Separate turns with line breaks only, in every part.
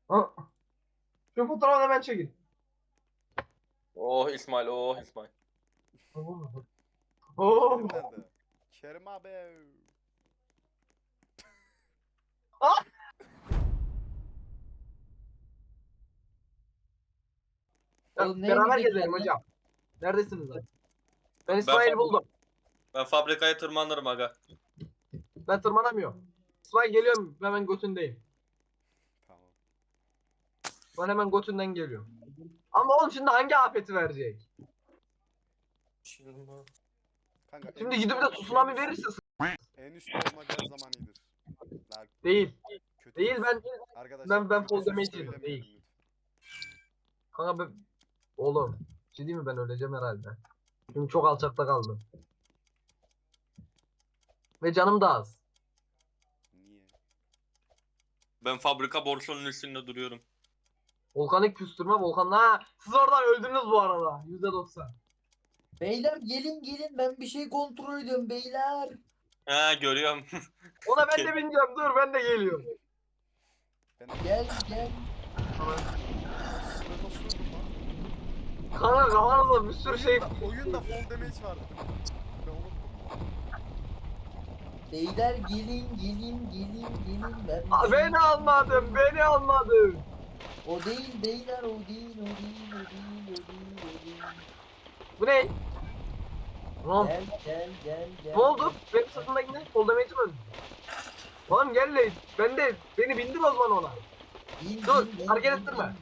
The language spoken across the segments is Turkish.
Ha, şu fotoğrafı hemen çekin.
Oh İsmail, oh İsmail.
Oo.
Kerim nerede? Kerim abi.
Ah! Ya,
Oğlum
beraber
neyimize
gezelim
geldin?
hocam. Neredesiniz lan? Ben
Ben,
İsmail
fabri-
buldum.
ben fabrikaya tırmanırım aga.
Ben tırmanamıyorum. İsmail geliyorum. Hemen götündeyim.
Tamam.
Ben hemen götünden geliyorum. Ama oğlum şimdi hangi afeti verecek?
Kanka en
Şimdi
üstte
gidip de
olmak,
tsunami verirse
en üstte olmak her zaman iyidir. La
değil.
kötü
Değil
söz.
ben
Arkadaşlar
ben
kötü
fall
söz
damage yedim.
söylemeyelim
Değil.
lütfen.
Kanka ben oğlum. Bir şey diyeyim mi, ben öleceğim herhalde. Çünkü çok alçakta kaldım. Ve canım da az.
Niye?
Ben fabrika borsunun üstünde duruyorum.
Volkanik küstürme volkanla. Ha, siz oradan öldünüz bu arada. %90.
Beyler gelin ben bir şey kontrol ediyorum beyler.
Ha görüyorum.
Ona ben de bineceğim. Dur ben de geliyorum.
Ben
Gel.
ben nasıl öldüm lan?
Kanka kafanızda bir sürü şey.
Oyunda fall damage vardı değil mi? Ben unuttum.
Beyler gelin. Ben bir
Aa,
şey...
beni almadın. Beni almadın.
O değil beyler o değil.
Bu ne? Tamam.
Gel.
Ne oldu? Benim sırtımdaki ne? Fall damage'im öldü. Oğlum gel de beni bindir o zaman ona. Dur, hareket ettirme.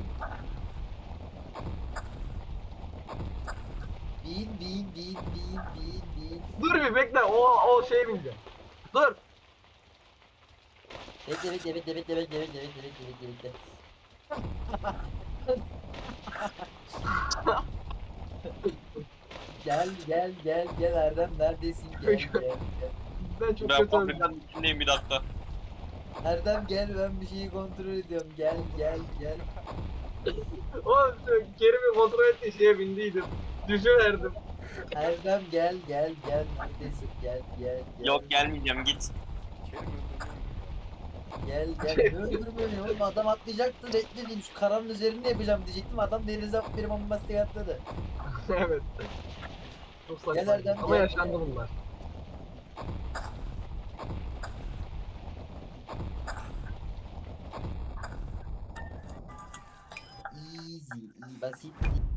Bin.
Dur bir bekle. O şeye bineceğim. Dur.
Bekle. Gel Erdem neredesin gel.
Ben çok
Ben
kötü öldüm.
fabrikanın içindeyim bir dakika.
Erdem gel ben bir şeyi kontrol ediyorum gel.
Oğlum şu Kerim'i kontrol ettiği şeye bindiydim. Düşüverdim.
Erdem gel neredesin gel.
Yok gelmeyeceğim git.
Kerim öldürmeye
Gel ne öldürmüyor oğlum adam atlayacaktı bekledim şu karanın üzerinde yapacağım diyecektim adam denize atıp bir bombastik atladı.
Evet. Çok saçma.
Gel Erdem,
Ama
gel.
yaşandı bunlar.
Easy basit.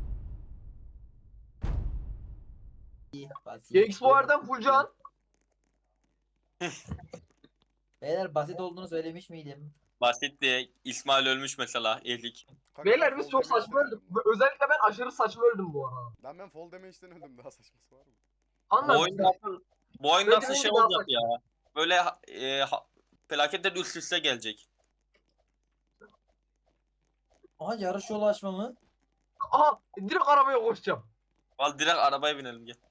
GX bu aradan full can.
Beyler basit olduğunu söylemiş miydim?
Basitti. İsmail ölmüş mesela ezik.
Kanka,
Beyler
ben
biz
fall
çok
damage'den
saçma öldük.
öldüm lan.
Özellikle ben aşırı saçma öldüm bu arada.
Lan ben fall damage'den öldüm, daha saçması var mı?
Bu
Anladın
oyun
mı?
nasıl, bu oyun
Bence
nasıl
hangi
şey
daha
olacak
saçma?
ya? Böyle felaketler üst üste gelecek.
Aha yarış yolu açma mı?
Aha direkt arabaya koşacağım.
Al direkt arabaya binelim gel.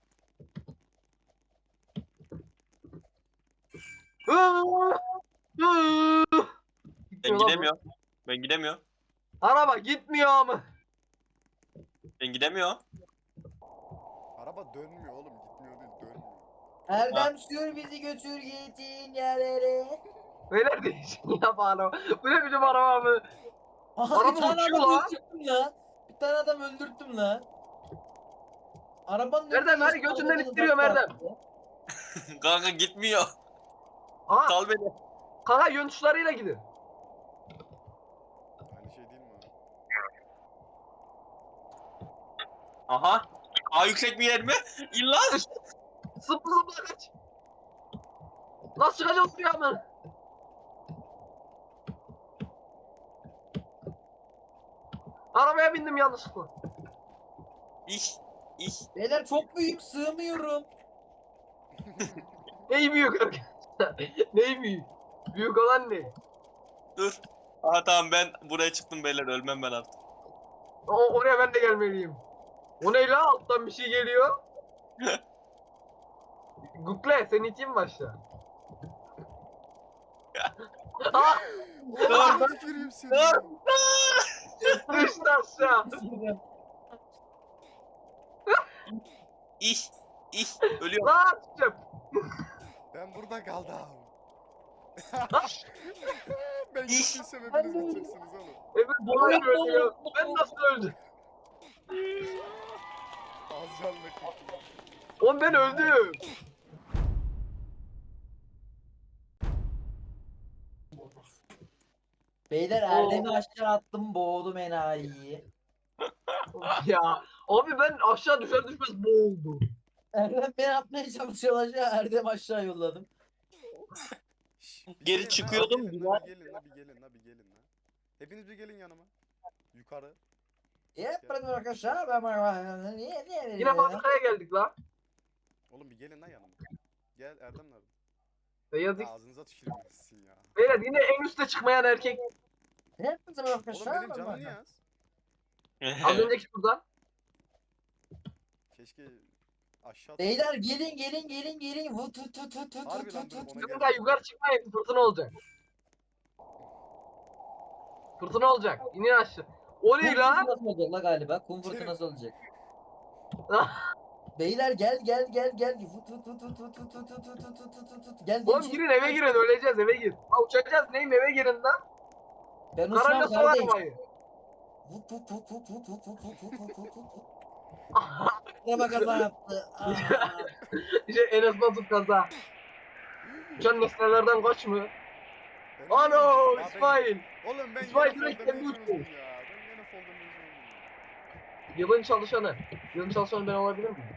Ben
Gitmiyor lan bu.
gidemiyorum. Ben gidemiyorum.
Araba gitmiyor ama.
Ben gidemiyorum.
Araba dönmüyor oğlum, gitmiyor değil, dönmüyor.
Erdem sür bizi götür gittiğin yerlere.
Beyler değişik ya bu araba. Bu ne biçim araba mı?
Aha
Araba
bir tane
uçuyor
adam
la.
öldürttüm la. Bir tane adam öldürttüm la. Arabanın önüne
Erdem hadi
geçtim
götünden
arabadan
ittiriyorum
uzakta
Erdem.
attı.
Kanka gitmiyor.
Aha
Sal beni.
kanka yön tuşlarıyla gidin.
Aynı şey değil mi abi?
Aha. Aa yüksek bir yer mi? İlla.
Zıpla kaç. Nasıl çıkacağız buraya mı? Arabaya bindim yanlışlıkla.
İş. İş.
Beyler çok büyük sığmıyorum.
Neyi büyük arkadaşlar? Neyi büyük? Büyük olan ne?
Dur. Aha tamam ben buraya çıktım beyler ölmem ben artık.
Oraya ben de gelmeliyim. O ne la? Alttan bir şey geliyor. Google sen iteyim mi aşağı? Aa!
Oğlum tüküreyim seni.
Dur.
Düştü aşağı.
İş. İş. Ölüyorum.
Lan çıkacağım.
Ben burada kaldım. Ben
İş.
gittiysem hepiniz gideceksiniz oğlum.
Evet Boğaç öldü ya. Ben nasıl öldüm?
Az canlı kurtuldum.
Oğlum ben öldüm.
Beyler Erdem'i aşağı attım boğdum enayiyi.
Ya abi ben aşağı düşer düşmez boğuldum.
Erdem beni atmaya çalışıyor aşağı. Erdem aşağı yolladım.
Şş, bir
Geri
gelin
çıkıyordum,
La, bir
bir
gelin la, bir gelin la, bir gelin la, bir gelin la. Hepiniz bir gelin yanıma. Yukarı.
Hep bırakın arkadaşlar. Ben niye
Yine fabrikaya geldik la.
Oğlum bir gelin la yanıma. Gel Erdem nerede?
Beyaz
Ya
X.
ağzınıza tüküreyim sizin ya.
Beyler yine en üste çıkmayan erkek.
Hep bırakın
Oğlum
arkadaşlar.
benim canım niye az?
Az önceki turdan.
Keşke aşağı
Beyler gelin. Vut vut vut vut vut
Harbi
vut
lan
vut
dur,
vut.
ona
Sakın
gel.
daha yukarı çıkmayın. Fırtına olacak. Fırtına olacak. İnin aşağı. O ne
Kum
la?
fırtınası olacak la galiba. Kum fırtınası olacak. Beyler gel. Vut vut vut vut vut vut vut vut vut vut vut vut vut. Gel
Oğlum
içeri.
girin eve girin öleceğiz eve gir. Ha uçacağız neyim eve girin lan.
Ben
Karayla
uçmam
sol
kardeş.
arabayı.
Vut vut vut vut vut vut vut vut vut vut vut vut. Araba kaza yaptı. Aa.
İşte Enes Batur kaza. Uçan nesnelerden kaç mı?
Ben niye
Ano
öldüm? Aa,
İsmail.
Oğlum ben
İsmail
gene
direkt
fall
kendi
damage
uçtu.
oldum ya. Ben gene fall damage oldum.
Yılın çalışanı. Yılın çalışanı ben olabilir miyim?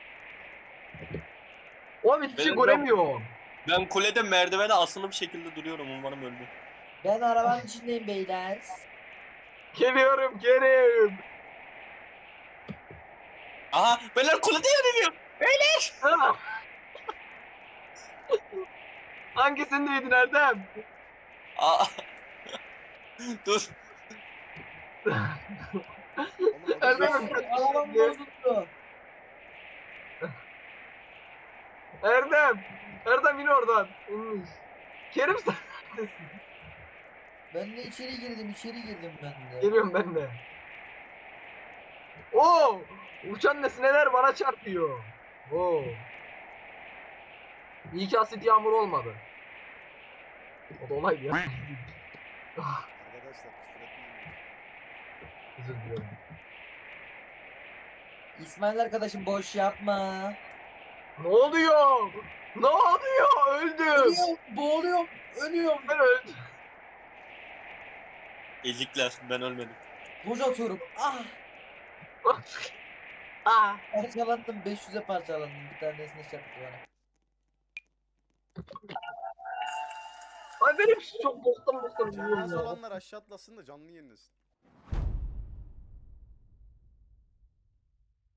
Oğlum hiçbir şey
Benim yok.
göremiyorum.
Ben kulede merdivene asılı bir şekilde duruyorum. Umarım öldü.
Ben arabanın içindeyim beyler.
Geliyorum Kerim.
Aha beyler kulede yanıyorum.
Ha. Hangisindeydin Erdem?
Aa. Dur.
Oğlum o
Erdem'im
değil.
kaç
Arabam
kişiydi?
bozuldu.
Erdem. Erdem in oradan. İnmiş. Kerim sen neredesin?
Ben de içeri girdim ben de.
Geliyorum ben de. Oo! Uçan nesneler bana çarpıyor. Oo. İyi ki asit yağmur olmadı. O da olay ya.
Arkadaşlar küfür etmeyin.
Özür diliyorum.
İsmail arkadaşım boş yapma.
Ne oluyor? Ne oluyor? Öldüm.
Ölüyorum, boğuluyorum, ölüyorum.
Ben öldüm.
Ezikler, ben ölmedim.
Boş atıyorum. Ah!
Ah.
Parçalandım, 500'e parçalandım. Bir tanesini çarptı bana.
Ay benim çok boktan
Canı az
biliyorum ya.
olanlar aşağı atlasın da canlı yenilesin.